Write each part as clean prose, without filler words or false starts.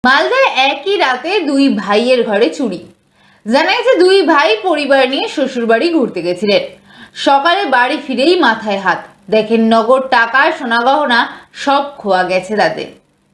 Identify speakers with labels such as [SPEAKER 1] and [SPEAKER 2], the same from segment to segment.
[SPEAKER 1] মালদায় একই রাতে দুই ভাইয়ের ঘরে চুরি। জানা গেছে দুই ভাই পরিবার নিয়ে শ্বশুরবাড়ি ঘুরতে গেছিলেন। সকালে বাড়ি ফিরেই মাথায় হাত, দেখেন নগদ টাকা সোনা গহনা সব খোয়া গেছে তাদের।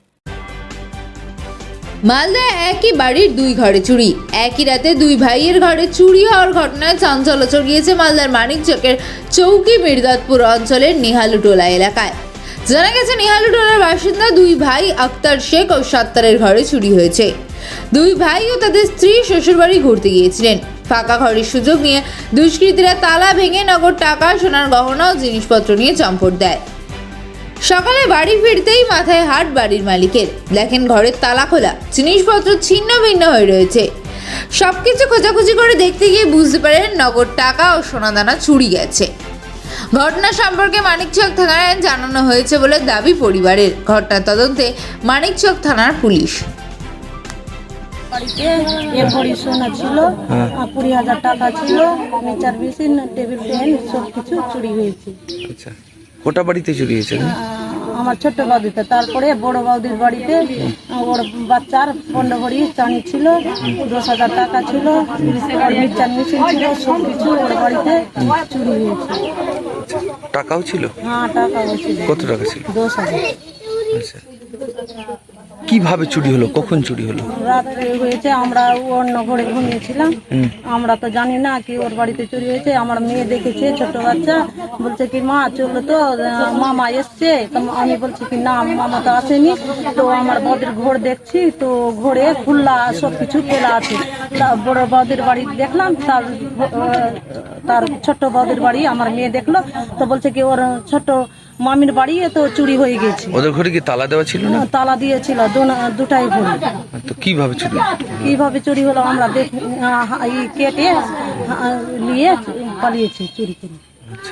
[SPEAKER 1] মালদায় একই বাড়ির দুই ঘরে চুরি। একই রাতে দুই ভাইয়ের ঘরে চুরি হওয়ার ঘটনায় চাঞ্চল্য ছড়িয়েছে মালদার মানিকচকের চৌকি মির্দাতপুর অঞ্চলের নিহালুটোলা এলাকায়। জানা গেছে নিহালুটোলার বাসিন্দা দুই ভাই আক্তার শেখ ও সত্তারের ঘরে চুরি হয়েছে। দুই ভাই ও তাদের স্ত্রী শ্বশুরবাড়ি ঘুরতে গিয়েছিলেন। ফাঁকা ঘরের সুযোগ নিয়ে দুষ্কৃতীরা তালা ভেঙে নগদ টাকা সোনার গহনা ও জিনিসপত্র নিয়ে চম্পট দেয়। সকালে বাড়ি ফিরতেই মাথায় হাত বাড়ির মালিকের, দেখেন ঘরের তালা খোলা, জিনিসপত্র ছিন্ন ভিন্ন হয়ে রয়েছে। সবকিছু খোঁজাখুঁজি করে দেখতে গিয়ে বুঝতে পারেন নগদ টাকা ও সোনাদানা চুরি গেছে। ঘটনা সম্পর্কে মানিকচক থানায় জানানো হয়েছে বলে দাবি পরিবারের। ঘটনার তদন্তে মানিকচক থানার পুলিশ।
[SPEAKER 2] বাড়িতে এক ভরি সোনা ছিল, 20,000 টাকা ছিল, মিটার মেশিন, টেবিল ফ্যান সব কিছু চুরি হয়েছে।
[SPEAKER 3] আচ্ছা, কোটা বাড়িতে চুরি হয়েছে?
[SPEAKER 2] আমার ছোট্ট বৌদিতে, তারপরে বড় বৌদির বাড়িতে ওর বাচ্চার 15 ভরি চাঁদি ছিল, 10,000 টাকা ছিল, আর মিটার মেশিন ছিল, সব কিছু ওর বাড়িতে চুরি হয়েছে।
[SPEAKER 3] টাকাও ছিল?
[SPEAKER 2] হ্যাঁ, টাকাও ছিল।
[SPEAKER 3] কত টাকা ছিল?
[SPEAKER 2] 10,000।
[SPEAKER 3] আচ্ছা, কিভাবে চুরি হলো, কখন চুরি হলো?
[SPEAKER 2] রাত্রে হয়েছে, আমরা অন্য ঘরে ঘুমিয়েছিলাম, আমরা তো জানি না কি ওর বাড়িতে চুরি হয়েছে। আমার মেয়ে দেখেছে, ছোট বাচ্চা, বলছে কি মা চলো তো, মামা এসছে। তো আমি বলছি কি না, মামা তো আসেনি। তো আমার বৌদির ঘর দেখছি, তো ঘরে খুল্লা সব কিছু খোলা আছে। বড় বৌদির বাড়ি দেখলাম, তার ছোট্ট বৌদির বাড়ি আমার মেয়ে দেখলো, তো বলছে কি ওর ছোট মামির বাড়ি তো চুরি হয়ে গেছে।
[SPEAKER 3] ওদের ঘরে কি তালা দেওয়া ছিল না?
[SPEAKER 2] তালা দিয়েছিল, দুটাই ঘরে।
[SPEAKER 3] তো কিভাবে চুরি?
[SPEAKER 2] কিভাবে চুরি হলো আমরা কেটে নিয়ে পালিয়েছি চুরি করে।
[SPEAKER 3] আচ্ছা,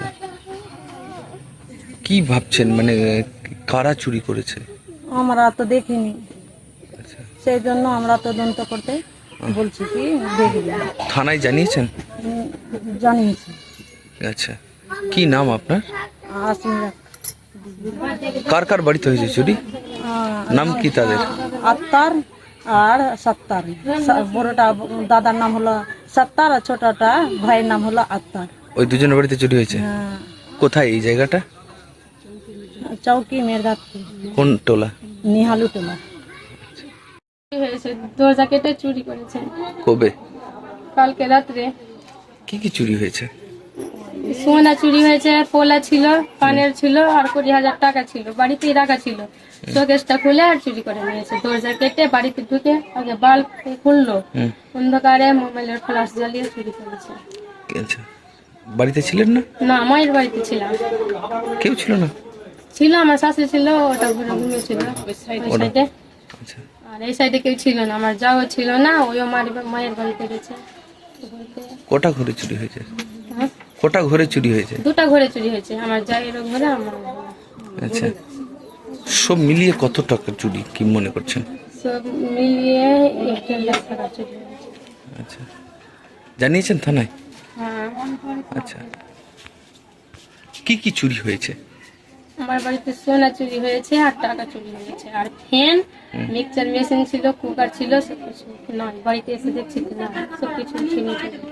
[SPEAKER 3] কি ভাবছেন, মানে কারা চুরি করেছে?
[SPEAKER 2] আমরা তো দেখিনি,
[SPEAKER 3] আচ্ছা,
[SPEAKER 2] সেই জন্য আমরা তদন্ত করতে বলছি কি দেখবি।
[SPEAKER 3] থানায় জানিয়েছেন?
[SPEAKER 2] জানিয়েছি।
[SPEAKER 3] আচ্ছা, কি নাম আপনার?
[SPEAKER 2] আসমিরা।
[SPEAKER 3] কার কার বাড়িতে হয়েছে চুরি? নাম কি তাদের?
[SPEAKER 2] আত্মার আর সত্তার। বড়টা দাদার নাম হলো সত্তার, আর ছোটটা ভাইয়ের নাম হলো আত্মার।
[SPEAKER 3] ওই দুজনের বাড়িতে চুরি হয়েছে?
[SPEAKER 2] হ্যাঁ,
[SPEAKER 3] কোথায় এই জায়গাটা?
[SPEAKER 2] চৌকি মির্দাতপুর,
[SPEAKER 3] কোন টোলা?
[SPEAKER 2] নিহালুটোলা।
[SPEAKER 4] হয়েছে, দরজা কেটে চুরি করেছে
[SPEAKER 3] কবে?
[SPEAKER 4] কালকে রাত্রে।
[SPEAKER 3] কি কি চুরি হয়েছে?
[SPEAKER 4] সোনা চুরি হয়েছে, পোলা ছিল, কানের ছিল, আর 20,000 টাকা ছিল, বাড়িতেই রাখা ছিল। শোকেসটা খুলে আর চুরি করে নিয়েছে। দরজা কেটে বাড়িতে ঢুকে আগে বাল্ব খুললো, অন্ধকারে মোবাইলের ফ্ল্যাশ জ্বালিয়ে চুরি করেছে।
[SPEAKER 3] আচ্ছা, বাড়িতে ছিলেন না?
[SPEAKER 4] না, মায়ের বাড়িতে ছিলাম।
[SPEAKER 3] কেউ ছিল না?
[SPEAKER 4] ছিল, আমার শাশুড়ি ছিল, ওটা ঘুরে ঘুমিয়েছিল ওই সাইডে।
[SPEAKER 3] আচ্ছা,
[SPEAKER 4] আর এই সাইডে কেউ ছিল না, আমার যাও ছিল না, ওইও মায়ের বাড়িতে গেছে।
[SPEAKER 3] কটা ঘরে চুরি হয়েছে?
[SPEAKER 4] হ্যাঁ,
[SPEAKER 3] কটা ঘরে চুরি হয়েছে?
[SPEAKER 4] দুটা ঘরে চুরি হয়েছে, আমার জায়ের ঘরে, আমার ঘরে।
[SPEAKER 3] আচ্ছা, সব মিলিয়ে কত টাকা চুরি কি মনে করছেন?
[SPEAKER 4] সব মিলিয়ে 1.5 লাখ টাকা চুরি হয়েছে।
[SPEAKER 3] আচ্ছা, জানিয়েছেন থানায়?
[SPEAKER 4] হ্যাঁ,
[SPEAKER 3] আচ্ছা, কি কি চুরি হয়েছে?
[SPEAKER 4] আমার বাড়িতে সোনা চুরি হয়েছে আর টাকা চুরি হয়েছে, আর ফ্যান, মিক্সচার মেশিন ছিল, কুকার ছিল, সব কিছু নয়। বাড়িতে এসে দেখছি না, সব কিছু ছিল।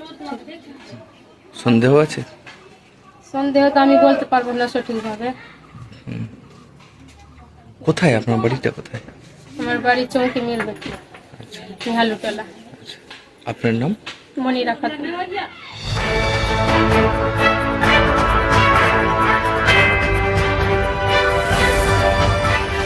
[SPEAKER 3] সন্দেহ আছে?
[SPEAKER 4] সন্দেহ তো আমি বলতে পারবো না সঠিকভাবে।
[SPEAKER 3] কোথায় আপনার বাড়িটা, কোথায়?
[SPEAKER 4] আমার বাড়ি চৌকি মিলবে, নিহালুটোলা।
[SPEAKER 3] আচ্ছা, আপনার নাম?
[SPEAKER 4] মনিরা খাতুন।